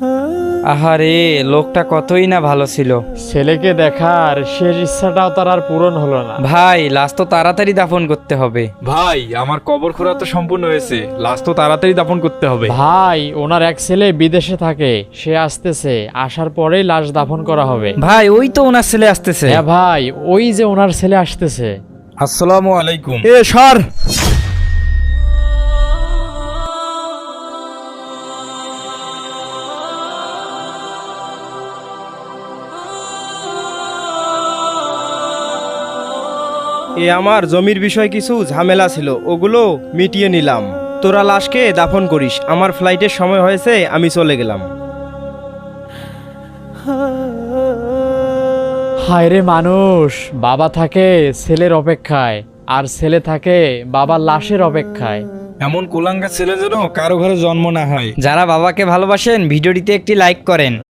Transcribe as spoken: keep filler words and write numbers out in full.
আহারে, লোকটা কতই না ভালো ছিল। ছেলেকে দেখার শেষ ইচ্ছাটাও তার আর পূরণ হলো না। ভাই, লাশ তো তাড়াতাড়ি দাফন করতে হবে। ভাই, আমার কবর খোঁড়া তো সম্পূর্ণ হয়েছে, লাশ তো তাড়াতাড়ি দাফন করতে হবে। ভাই, ওনার এক ছেলে বিদেশে থাকে, সে আসতেছে, আসার পরেই লাশ দাফন করা হবে। ভাই, ওই তো ওনার ছেলে আসতেছে। হ্যাঁ ভাই, ওই যে ওনার ছেলে আসতেছে। আসসালামু আলাইকুম। এ সর। এ আমার জমির বিষয় কিছু ঝামেলা ছিল, ওগুলো মিটিয়ে নিলাম। তোরা লাশকে দাফন করিস, আমার ফ্লাইটের সময় হয়েছে, আমি চলে গেলাম। হায় রে মানুষ, বাবা থাকে ছেলের অপেক্ষায়, আর ছেলে থাকে বাবার লাশের অপেক্ষায়। এমন কুলাঙ্গা ছেলে যেন কারো ঘরে জন্ম না হয়। যারা বাবাকে ভালোবাসেন ভিডিওটিতে একটি লাইক করেন।